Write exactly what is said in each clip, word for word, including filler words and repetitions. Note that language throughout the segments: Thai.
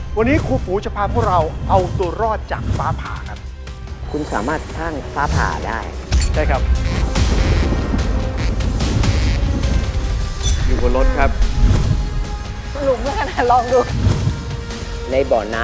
วันนี้ครูฝูจะพาพวกเราเอาตัวรอดจากฟ้าผ่าครับคุณสามารถสร้างฟ้าผ่าได้ใช่ครับ อยู่บนรถครับหลุมขนาดลองดูในบ่อน้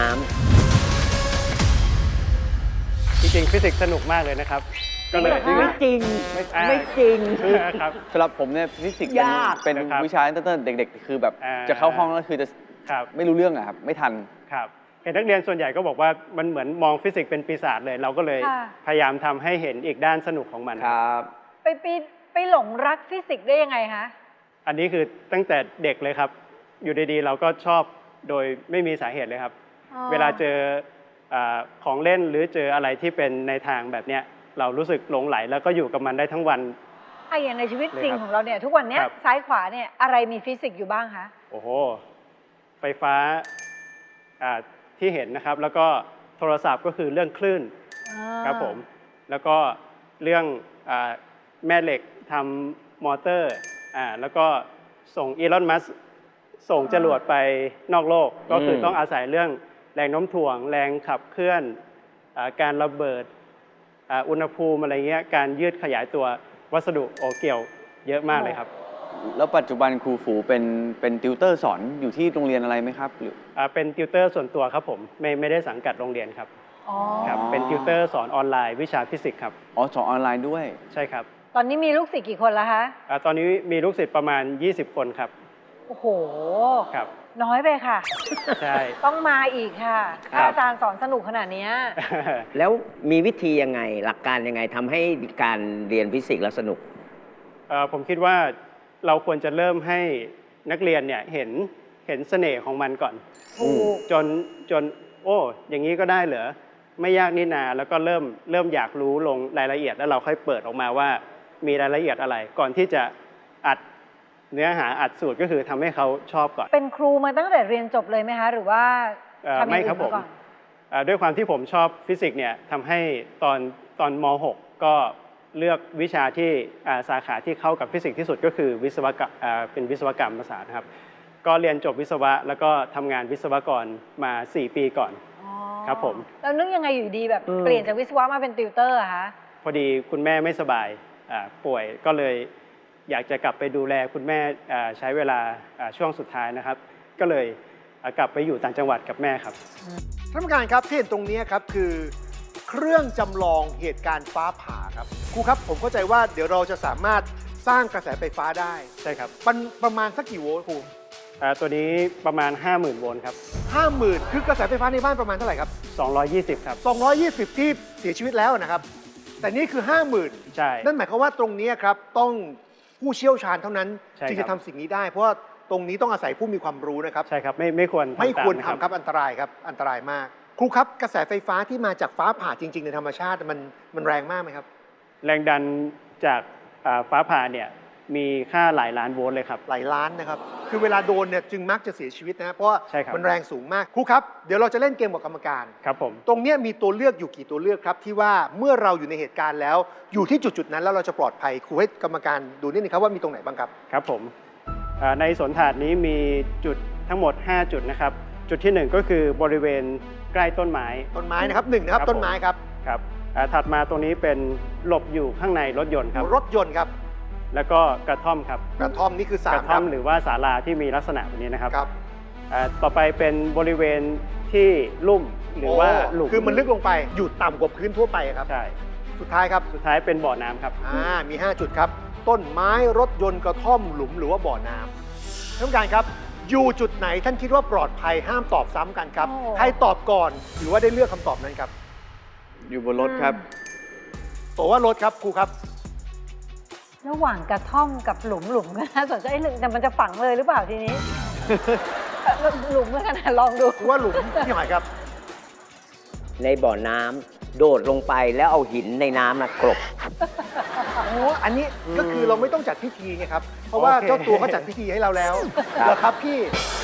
จริงๆฟิสิกส์สนุกมากเลยนะครับ ก็เลยำไม่จริงไม่อ่าไม่จริงครับสำหรับผมเนี่ยฟิสิกส์ยากเป็นนะครับวิชาตั้งแต่เด็กๆ คือแบบอ่าจะเข้าห้องแล้วคือจะครับไม่รู้เรื่องอะครับ ไม่ทันครับเห็นนักเรียนส่วนใหญ่ก็บอกว่ามันเหมือนมองฟิสิกส์เป็นปีศาจเลย เราก็เลยค่ะพยายามทำให้เห็นอีกด้านสนุกของมันครับไปไปไปหลงรักฟิสิกส์ได้ยังไงคะอันนี้คือตั้งแต่เด็กเลยครับ อยู่ดีๆ เราก็ชอบโดยไม่มีสาเหตุเลยครับอ๋อเวลาเจออาของเล่นหรือเจออะไรที่เป็นในทางแบบเนี้ยเรารู้สึกหลงไหลแล้วก็อยู่กับมันได้ทั้งวันไอ้อย่างในชีวิตจริงเลยครับของเราเนี่ยทุกวันเนี้ยครับซ้ายขวาเนี่ยอะไรมีฟิสิกส์อยู่บ้างคะโอ้โห ไฟฟ้าอ่าที่เห็นนะครับ แล้วก็โทรศัพท์ก็คือเรื่องคลื่นอ่าครับผม แล้วก็เรื่องอาแม่เหล็กทำมอเตอร์อ่าแล้วก็ส่งอีลอน มัสก์ส่งจรวดไปนอกโลก ก็คือต้องอาศัยเรื่องแรงโน้มถ่วง แรงขับเคลื่อนอาการระเบิดอ่าอุณหภูมิอะไรเงี้ย การยืดขยายตัววัสดุโอเกี่ยวเยอะมากเลยครับแล้วปัจจุบันครูฝูเป็นเป็นติวเตอร์สอนอยู่ที่โรงเรียนอะไรไหมครับหรืออ่าเป็นติวเตอร์ส่วนตัวครับผม ไม่ไม่ได้สังกัดโรงเรียนครับอ๋อครับ เป็นติวเตอร์สอนออนไลน์วิชาฟิสิกส์ครับอ๋อสอนออนไลน์ด้วยใช่ครับตอนนี้มีลูกศิษย์กี่คนแล้วคะอาตอนนี้มีลูกศิษย์ประมาณ ยี่สิบ คนครับโอ้โหครับน้อยไปค่ะใช่ต้องมาอีกค่ะครัถ้าบอาจารย์สอนสนุกขนาดเนี้ยแล้วมีวิธียังไงหลักการยังไงทำให้การเรียนฟิสิกส์แล้วสนุกเอ่อผมคิดว่าเราควรจะเริ่มให้นักเรียนเนี่ยเห็นเห็นเสน่ห์ของมันก่อนถูกจนจนโอ้อย่างนี้ก็ได้เหรอไม่ยากนี่นาแล้วก็เริ่มเริ่มอยากรู้ลงรายละเอียดแล้วเราค่อยเปิดออกมาว่ามีรายละเอียดอะไร ก่อนที่จะอัดเนื้อหาอัดสูตรก็คือทำให้เขาชอบก่อนเป็นครูมาตั้งแต่เรียนจบเลยไหมคะ หรือว่าเอ่อทำอย่างไม่อื่นครับผมมาก่อนเอ่อด้วยความที่ผมชอบฟิสิกส์เนี่ยทำให้ตอนตอนม .หก ก็เลือกวิชาที่อ่าสาขาที่เข้ากับฟิสิกส์ที่สุดก็คือวิศวกรรมอ่าเป็นวิศวกรรมศาสตร์นะครับ ก็เรียนจบวิศวะแล้วก็ทำงานวิศวกรมา สี่ ปีก่อนอ๋อครับผมแล้วนึกยังไงอยู่ดีแบบอืมเปลี่ยนจากวิศวะมาเป็นติวเตอร์อะคะพอดีคุณแม่ไม่สบายอ่าป่วยก็เลยอยากจะกลับไปดูแลคุณแม่อ่าใช้เวลาอ่าช่วงสุดท้ายนะครับ ก็เลยอ่ากลับไปอยู่ต่างจังหวัดกับแม่ครับท่านผู้การครับที่เห็นตรงนี้ครับคือเครื่องจำลองเหตุการณ์ฟ้าผ่าครับครูครับผมเข้าใจว่าเดี๋ยวเราจะสามารถสร้างกระแสไฟฟ้าได้ใช่ครับมันประมาณสักกี่โวลต์ครูอ่าตัวนี้ประมาณ ห้าหมื่น โวลต์ครับห้าหมื่นคือกระแสไฟฟ้าในบ้านประมาณเท่าไหร่ครับสองร้อยยี่สิบ ครับสองร้อยยี่สิบที่เสียชีวิตแล้วนะครับ แต่นี่คือ ห้าหมื่นใช่นั่นหมายความว่าตรงนี้ครับต้องผู้เชี่ยวชาญเท่านั้นใช่ครับที่จะทำสิ่งนี้ได้ เพราะว่าตรงนี้ต้องอาศัยผู้มีความรู้นะครับใช่ครับไม่ไม่ควรทำไม่ควรตาทำครับอันตรายครับอันตรายมาก ครูครับกระแสไฟฟ้าที่มาจากฟ้าผ่าจริง ๆ ในธรรมชาติมันมันแรงมากไหมครับแรงดันจากอ่าฟ้าผ่าเนี่ยมีค่าหลายล้านโวลต์เลยครับหลายล้านนะครับ คือเวลาโดนเนี่ยจึงมักจะเสียชีวิตนะเพราะว่าใช่ครับมันแรงสูงมาก ครูครับ เดี๋ยวเราจะเล่นเกมกับกรรมการครับผมตรงเนี้ยมีตัวเลือกอยู่กี่ตัวเลือกครับ ที่ว่าเมื่อเราอยู่ในเหตุการณ์แล้ว อยู่ที่จุดๆนั้นแล้วเราจะปลอดภัย ครูให้กรรมการดูนิดนึงครับว่ามีตรงไหนบ้างครับครับผมอ่าในสวนถาดนี้มีจุดทั้งหมด ห้า จุดนะครับ จุดที่หนึ่งก็คือบริเวณใกล้ต้นไม้ต้นไม้นะครับหนึ่งนะครับครับต้นไม้ครับครับอ่าถัดมาตรงนี้เป็นหลบอยู่ข้างในรถยนต์ครับรถยนต์ครับแล้วก็กระท่อมครับกระท่อมนี่คือสาก มระคท่อรัมบหรือว่าศาลาที่มีลักษณะแบบนี้นะครับครับอ่าต่อไปเป็นบริเวณที่ลุ่มหรือว่าหลุมคือมันลึกลงไปอยู่ต่ำกว่าพื้นทั่วไปครับใช่สุดท้ายครับสุดท้ายเป็นบ่อน้ำครับอ่ามี ห้า จุดครับ ต้นไม้รถยนต์กระท่อมหลุมหรือว่าบ่อน้ำท่านผู้การครับอยู่จุดไหนท่านคิดว่าปลอดภัยห้ามตอบซ้ำกันครับโอ้ใครตอบก่อนถือว่าได้เลือกคำตอบนั้นครับอยู่บนรถครับตัวว่ารถครับครูครับระหว่างกระท่อมกับหลุมหลุมก็น่าสนใจหนึ่งแต่มันจะฝังเลยหรือเปล่าทีนี้ หลุมก็ขนาดลองดูครูว่าหลุมพี่หอยครับในบ่อน้ำโดดลงไปแล้วเอาหินในน้ำนะกลบโอ้อันนี้ก็คือเราไม่ต้องจัดพิธีไงครับ เพราะว่าโอเคเจ้าตัวเขาจัดพิธีให้เราแล้วเหรอครับพี่ค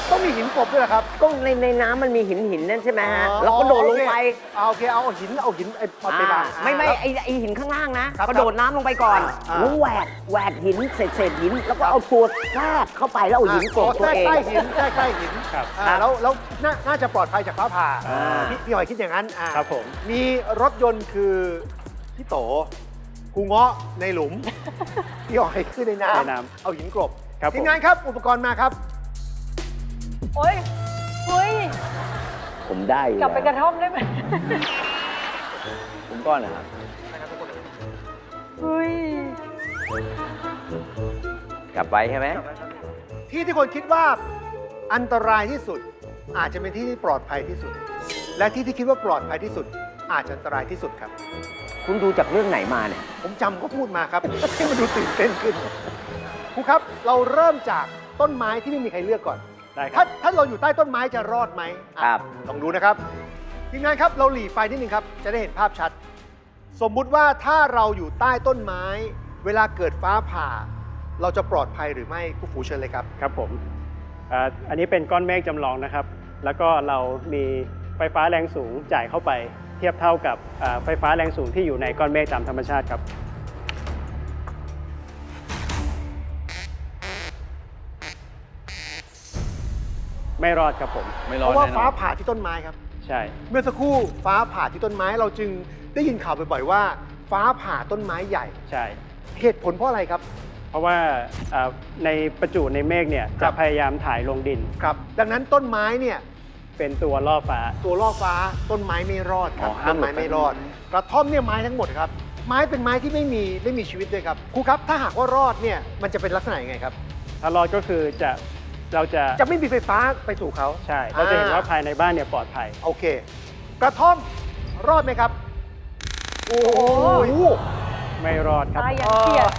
ต้องมีหินกลบด้วยเหรอครับก็ในในน้ำมันมีหินหินนั่นใช่ไหมฮะเราก็โดดลงไปเอาโอเคเอาหินเอาหินไอ้เอาไปอ่าบ้างไม่ไม่แล้วไอไอหินข้างล่างนะครับ กครับระโดดน้ำลงไปก่อนอ่าแล้วแหวกแหวกหินเศษเศษหิน แล้วก็เอาตัวแทรกเข้าไปแล้วเอาหินกลบตัวเองใกล้ๆหินใกล้ใกล้ๆหินครับอ่าแล้วแล้วน่าน่าจะปลอดภัยจากฟ้าผ่าอ่าพี่พี่หอยคิดอย่างนั้นอ่าครับผมมีรถยนต์คือพี่โตครูเงาะในหลุม พี่หอยขึ้นในน้ในน้ำเอาหินกลบครับผมทีมงานครับอุปกรณ์มาครับโอ้ยเฮ้ยผมได้อยู่กลับไปกแล้วระท่อมได้ไหมผมก้อนนะครับเฮ้ยกลับไปใช่ไหมที่ที่คนคิดว่าอันตรายที่สุด อาจจะเป็นที่ที่ปลอดภัยที่สุด และที่ที่คิดว่าปลอดภัยที่สุด อาจจะอันตรายที่สุดครับคุณดูจากเรื่องไหนมาเนี่ยผมจำก็พูดมาครับ ให้มันดูตื่นเต้นขึ้นครูครับเราเริ่มจากต้นไม้ที่ไม่มีใครเลือกก่อนได้คถ้ารับถ้าเราอยู่ใต้ต้นไม้จะรอดไหมอ่ะครับลองดูนะครับทีมงานครับเราหลีไฟนิดนึงครับ จะได้เห็นภาพชัด สมมุติว่าถ้าเราอยู่ใต้ต้นไม้ เวลาเกิดฟ้าผ่า เราจะปลอดภัยหรือไม่ครูฝูเชิญเลยครับครับผมอ่าอันนี้เป็นก้อนเมฆจำลองนะครับ แล้วก็เรามีไฟฟ้าแรงสูงจ่ายเข้าไป เทียบเท่ากับอ่าไฟฟ้าแรงสูงที่อยู่ในก้อนเมฆตามธรรมชาติครับ ไม่รอดครับผมไม่รเพอดราะว่าแน่นฟ้าอนผ่าที่ต้นไม้ครับใช่เมื่อสักครู่ฟ้าผ่าที่ต้นไม้เราจึงได้ยินข่าวบ่อยๆว่า ฟ้าผ่าต้นไม้ใหญ่ใช่เหตุผลเพราะอะไรครับเพราะว่าอ่าในประจุในเมฆเนี่ยครัจะบพยายามถ่ายลงดินครับ ดังนั้นต้นไม้เนี่ยเป็นตัวล่อฟ้าตัวล่อฟ้าต้นไม้ไม่รอดครับอ๋อห้าต้มนหลุไม้ดไม่รอด กระท่อมเนี่ยไม้ทั้งหมดครับ ไม้เป็นไม้ที่ไม่มีไม่มีชีวิตด้วยครับครูครับถ้าหากว่ารอดเนี่ยมันจะเป็นลักษณะยังไงครับถ้ารอดก็คือจะเราจะจะไม่มีไฟฟ้าไปสู่เขาใช่ เราจะเห็นว่าอ่ภายในบ้านเนี่ยปลอดภัยโอเค กระท่อมรอดไหมครับ โอ้โหไม่รอดครับตายอย่างเกลียด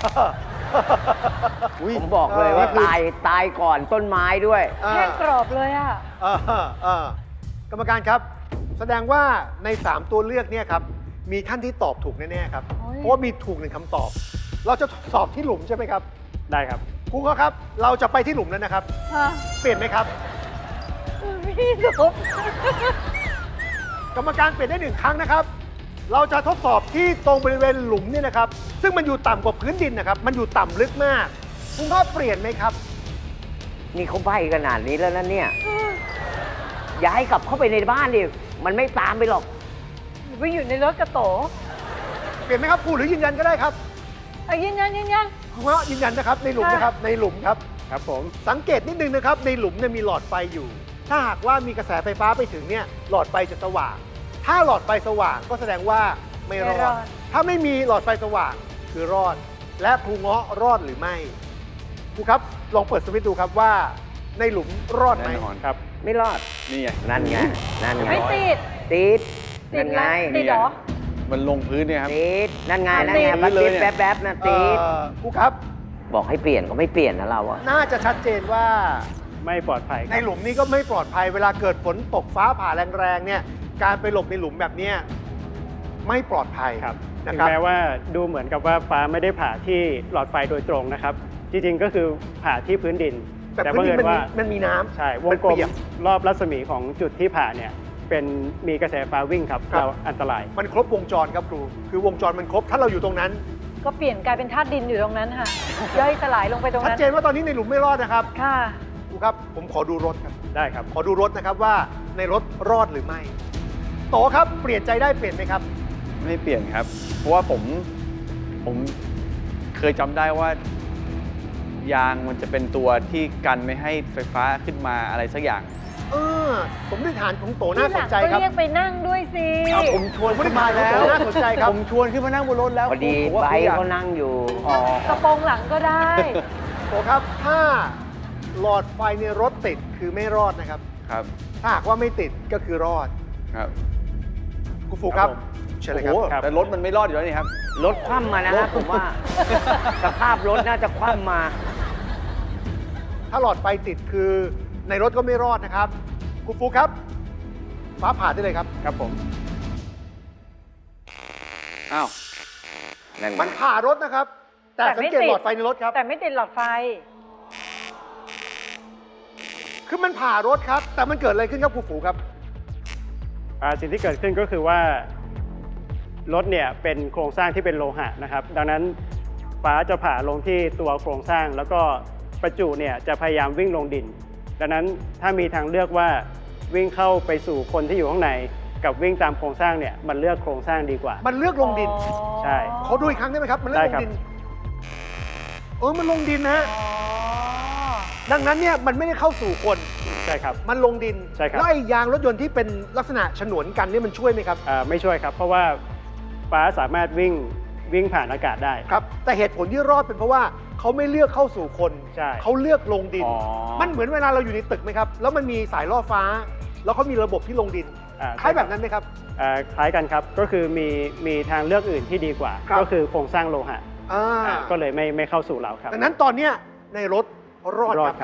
ผมบอกเลยว่าเออตายตายก่อนต้นไม้ด้วยอ่าแห้งกรอบเลยอ่ะเออเออกรรมการครับ แสดงว่าใน สาม ตัวเลือกเนี่ยครับ มีท่านที่ตอบถูกแน่ๆครับโอ้ยเพราะว่ามีถูกหนึ่งคำตอบ เราจะสอบที่หลุมใช่ไหมครับได้ครับครูเขาครับ เราจะไปที่หลุมแล้วนะครับฮะเปลี่ยนไหมครับพี่สุปกรรมการเปลี่ยนได้หนึ่งครั้งนะครับ เราจะทดสอบที่ตรงบริเวณหลุมเนี่ยนะครับ ซึ่งมันอยู่ต่ำกว่าพื้นดินนะครับ มันอยู่ต่ำลึกมาก คุณพ่อเปลี่ยนไหมครับนี่เขาใบขนาดนี้แล้วนะเนี่ย อย่าให้กลับเข้าไปในบ้านดิ มันไม่ตามไปหรอกไปอยู่ในรถกระโตเปลี่ยนไหมครับครูหรือยืนยันก็ได้ครับเอายืนยันยืนยันคุณพ่อยืนยันนะครับ ในหลุมนะครับ ในหลุมครับครับผมสังเกตนิดนึงนะครับ ในหลุมเนี่ยมีหลอดไฟอยู่ ถ้าหากว่ามีกระแสไฟฟ้าไปถึงเนี่ยหลอดไฟจะสว่าง ถ้าหลอดไฟสว่างก็แสดงว่าไม่รไม่อรดอดถ้าไม่มีหลอดไฟสว่างคือรอด และครูเงาะรอดหรือไม่ครูครับลองเปิดสวิตช์ดูครับว่าในหลุมรอดไหมแน่นอนครับไม่รอดนี่ไงนั่นไง นั่นไงไม่ติดติดตินั่ดนไหมไงติดเหรอมันลงพื้นเนี่ยครับติด นั่นไง นั่นติไงดมันเลยติดเนี่ยแป๊บๆนะเอ่ติดอครูครับบอกให้เปลี่ยนก็ไม่เปลี่ยนนะเราอะน่าจะชัดเจนว่าไม่ปลอดภัยคในรับหลุมนี้ก็ไม่ปลอดภัย เวลาเกิดฝนตกฟ้าผ่าแรงๆเนี่ยการไปหลบในหลุมแบบเนี้ยไม่ปลอดภัยครับนะถึงครับแม้ว่าดูเหมือนกับว่าฟ้าไม่ได้ผ่าที่หลอดไฟโดยตรงนะครับ จริงๆก็คือผ่าที่พื้นดินแต่พื้นดินมันบังเอิญมีว่ามันมีน้ำใช่วมังนกลมเปียกรอบรัศมีของจุดที่ผ่าเนี่ยเป็นมีกระแสฟ้าวิ่งครับครับเราอันตรายมันครบวงจรครับครู คือวงจรมันครบ ถ้าเราอยู่ตรงนั้นก็เปลี่ยนกลายเป็นธาตุดินอยู่ตรงนั้นค่ะ ย่อยสลายลงไปตรงชัดนั้นเจนว่าตอนนี้ในหลุมไม่รอดนะครับค่ะครูครับ ผมขอดูรถครับได้ครับขอดูรถนะครับว่าในรถรอดหรือไม่ โตครับ เปลี่ยนใจได้เปลี่ยนไหมครับไม่เปลี่ยนครับ เพราะว่าผม ผมเคยจำได้ว่า ยางมันจะเป็นตัวที่กันไม่ให้ไฟฟ้าขึ้นมาอะไรสักอย่างเออสมมติฐานของโตที่น่าหสลันงใจก็ครับเรียกไปนั่งด้วยสิเอาผมชวนสมมขึ้ตินมาฐานของแล้วโตน่าสนใจครับผมชวนขึ้นมานั่งบนรถแล้วพอดีผมว่าใบเขาอยากเขานั่งอยู่อ๋อกระโปรงหลังก็ได้โตครับ ถ้าหลอดไฟในรถติดคือไม่รอดนะครับครับถ้าหากว่าไม่ติดก็คือรอดครับคุณฟูครับครับผมเชิญเลยโอ้คโหรับแต่รถมันไม่รอดอยู่แล้วนี่ครับรถคว่ำมานะฮะผมว่า สภาพรถน่าจะคว่ำมาถ้าหลอดไฟติดคือในรถก็ไม่รอดนะครับ คุณฟูครับ ฟ้าผ่าได้เลยครับครับผมอ้าวนั่นไงมันผ่ารถนะครับ แต่แต่สังไม่เกตติดหลอดไฟในรถครับแต่ไม่ติดหลอดไฟคือมันผ่ารถครับ แต่มันเกิดอะไรขึ้นครับครูฝูครับอ่าสิ่งที่เกิดขึ้นก็คือว่ารถเนี่ยเป็นโครงสร้างที่เป็นโลหะนะครับ ดังนั้นฟ้าจะผ่าลงที่ตัวโครงสร้าง แล้วก็ประจุเนี่ยจะพยายามวิ่งลงดิน ดังนั้นถ้ามีทางเลือกว่าวิ่งเข้าไปสู่คนที่อยู่ข้างในกับวิ่งตามโครงสร้างเนี่ยมันเลือกโครงสร้างดีกว่ามันเลือกลงดินใช่ขอดูอีกครั้งได้ไหมครับ มันเลือกได้ลครังบดินเออมันลงดินนะฮะอ๋อดังนั้นเนี่ยมันไม่ได้เข้าสู่คนใช่ครับมันลงดินใช่ครับแล้วไอ้ยางรถยนต์ที่เป็นลักษณะฉนวนกันเนี่ยมันช่วยไหมครับอ่าไม่ช่วยครับ เพราะว่าฟ้าสามารถวิ่งวิ่งผ่านอากาศได้ครับ แต่เหตุผลที่รอดเป็นเพราะว่าเขาไม่เลือกเข้าสู่คนใช่เขาเลือกลงดินอ๋อมันเหมือนเวลาเราอยู่ในตึกไหมครับ แล้วมันมีสายล่อฟ้า แล้วเขามีระบบที่ลงดินอ่คล้ายแบบนั้นไหมครับอ่าคล้ายกันครับ ก็คือมีมีทางเลือกอื่นที่ดีกว่าครับก็คือโครงสร้างโลหะอ่าอ่าก็เลยไม่ไม่เข้าสู่เราครับดังนั้นตอนเนี้ยในรถรอดรอคด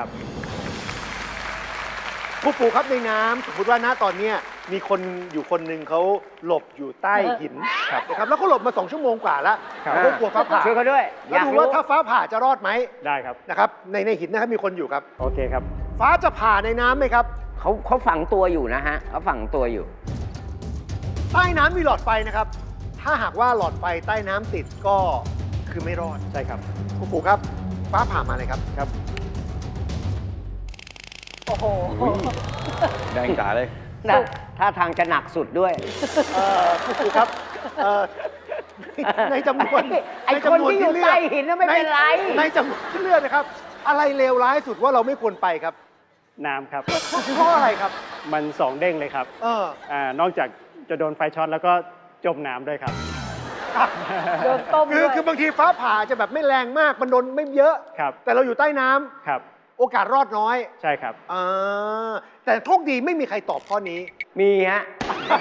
รับครับครูปู่ครับในน้ำสมมติว่าณตอนเนี้ยมีคนอยู่คนหนึ่งเขาหลบอยู่ใต้หินครับนะครับแล้วเขาหลบมาสองชั่วโมงกว่าแล้วครับเขากลัวฟ้าผ่าช่วยเขาด้วยแล้วดูว่าถ้าฟ้าผ่าจะรอดไหมได้ครับนะครับในในหินนะครับมีคนอยู่ครับโอเคครับฟ้าจะผ่าในน้ำไหมครับเขาเขาฝังตัวอยู่นะฮะเขาฝังตัวอยู่ใต้น้ำมีหลอดไฟนะครับ ถ้าหากว่าหลอดไฟใต้น้ำติดก็คือไม่รอดใช่ครับครูปู่ครับ ฟ้าผ่ามาเลยครับครับโอ้โหอุ๊ย แดงจ๋าเลยถ้าถ้าทางจะหนักสุดด้วยเอ่อครูปู่ครับเอ่อในจำนวนไอ้ในคนจำวที่อยู่เลืกใต้หินน่ะไม่เป็นไรในในจำนวนที่เลือกนะครับ อะไรเลวร้ายสุดว่าเราไม่ควรไปครับน้ำครับเพราะอะไรครับมันสองเด้งเลยครับเอออ่านอกจากจะโดนไฟช็อตแล้วก็จมน้ำด้วยครับโดนต้มคือด้วยคือบางทีฟ้าผ่าจะแบบไม่แรงมาก มันโดนไม่เยอะครับแต่เราอยู่ใต้น้ำครับโอกาสรอดน้อยใช่ครับอ่าแต่โชคดีไม่มีใครตอบข้อนี้มีฮะ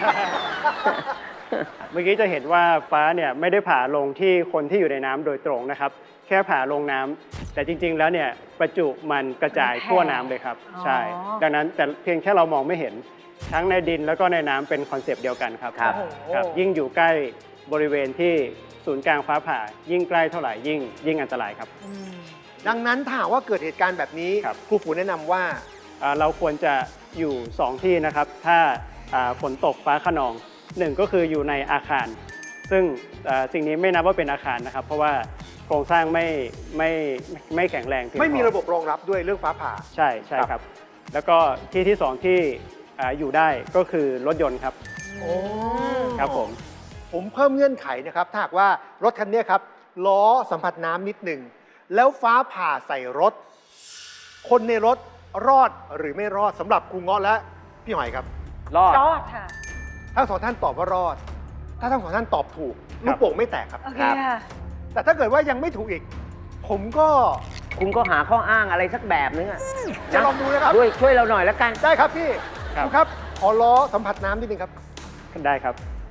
เมื่อกี้จะเห็นว่าฟ้าเนี่ยไม่ได้ผ่าลงที่คนที่อยู่ในน้ำโดยตรงนะครับ แค่ผ่าลงน้ำแต่จริง ๆ แล้วเนี่ยประจุมันกระจายทั่วน้ำเลยครับ ใช่ ดังนั้นแต่เพียงแค่เรามองไม่เห็นทั้งในดินแล้วก็ในน้ำเป็นคอนเซปต์เดียวกันครับครับครับ ยิ่งอยู่ใกล้บริเวณที่ศูนย์กลางฟ้าผ่า ยิ่งใกล้เท่าไหร่ยิ่งยิ่งอันตรายครับอืมดังนั้นถ้าหากว่าเกิดเหตุการณ์แบบนี้ครับครูฝูแนะนำว่าอ่าเราควรจะอยู่ สอง ที่นะครับ ถ้าอ่าฝนตกฟ้าคะนองหนึ่งก็คืออยู่ในอาคาร ซึ่งอ่าสิ่งนี้ไม่นับว่าเป็นอาคารนะครับ เพราะว่าโครงสร้างไม่ไม่ไม่แข็งแรงเพียงพอไม่มีระบบรองรับด้วยเรื่องฟ้าผ่าใช่ใช่ครับครับ แล้วก็ที่ที่สองที่อ่าอยู่ได้ก็คือรถยนต์ครับโอ้ครับผมผมเพิ่มเงื่อนไขนะครับ ถ้าหากว่ารถคันเนี้ยครับ ล้อสัมผัสน้ำนิดหนึ่ง แล้วฟ้าผ่าใส่รถ คนในรถรอดหรือไม่รอดสำหรับครูเงาะและพี่หอยครับรอดรอดค่ะทั้งสองท่านตอบว่ารอด ถ้าทั้งสองท่านตอบถูกลูกโป่งไม่แตกครับโอเคครับค่ะแต่ถ้าเกิดว่ายังไม่ถูกอีก ผมก็คุณก็หาข้ออ้างอะไรสักแบบนึงอะจะลองดูนะครับด้วยช่วยเราหน่อยแล้วกันได้ครับพี่ครับครูครับ ขอล้อสัมผัสน้ำนิดนึงครับได้ครับ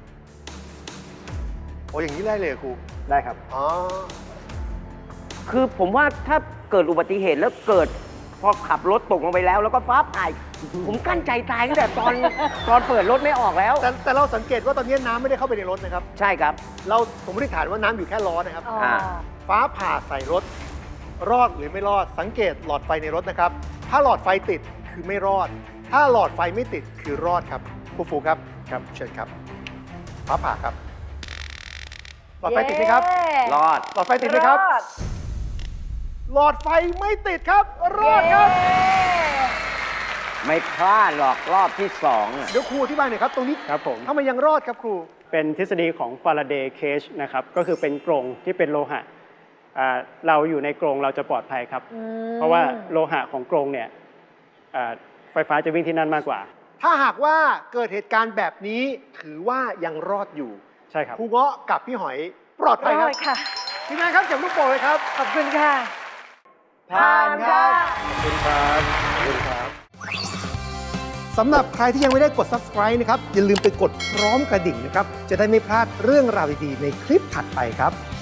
โอ้อย่างนี้ได้เลยเหรอครูได้ครับอ๋อคือผมว่าถ้าเกิดอุบัติเหตุแล้วเกิด พอขับรถตกลงไปแล้ว แล้วก็ฟ้าผ่าผมกั้นใจตายตั้งแต่ตอน ตอนเปิดรถไม่ออกแล้วแต่แต่เราสังเกตว่าตอนนี้น้ำไม่ได้เข้าไปในรถนะครับใช่ครับเราสมมติฐานว่าน้ำอยู่แค่ล้อนะครับอ๋ออ่าฟ้าผ่าใส่รถ รอดหรือไม่รอด สังเกตหลอดไฟในรถนะครับ ถ้าหลอดไฟติดคือไม่รอด ถ้าหลอดไฟไม่ติดคือรอดครับครูฟูครับ ครับ เชิญครับ ฟ้าผ่าครับ หลอดไฟติดไหมครับเย้รอดหลอดไฟติดไหมครับอดหลอดไฟไม่ติดครับ รอดครับเย้ไม่พลาดหรอกรอบที่สองอะเดี๋ยวครูอธิบายหน่อยครับ ตรงนี้ครับผมทำไมยังรอดครับครูเป็นทฤษฎีของฟาราเดย์เคจนะครับ ก็คือเป็นกรงที่เป็นโลหะอ่าเราอยู่ในกรงเราจะปลอดภัยครับอืมเพราะว่าโลหะของกรงเนี่ยอ่าไฟฟ้าจะวิ่งที่นั่นมากกว่าถ้าหากว่าเกิดเหตุการณ์แบบนี้ถือว่ายังรอดอยู่ใช่ครับครูเงาะกับพี่หอยปลอดภัยรครัอบ ดค่ะทีมงานครับเก็บลูกโป่งเลยครับขอบคุณค่ะผ่านครับขอบคุณครับขอบคุณครับสำหรับใครที่ยังไม่ได้กด Subscribe นะครับ อย่าลืมไปกดพร้อมกระดิ่งนะครับ จะได้ไม่พลาดเรื่องราวดีๆในคลิปถัดไปครับ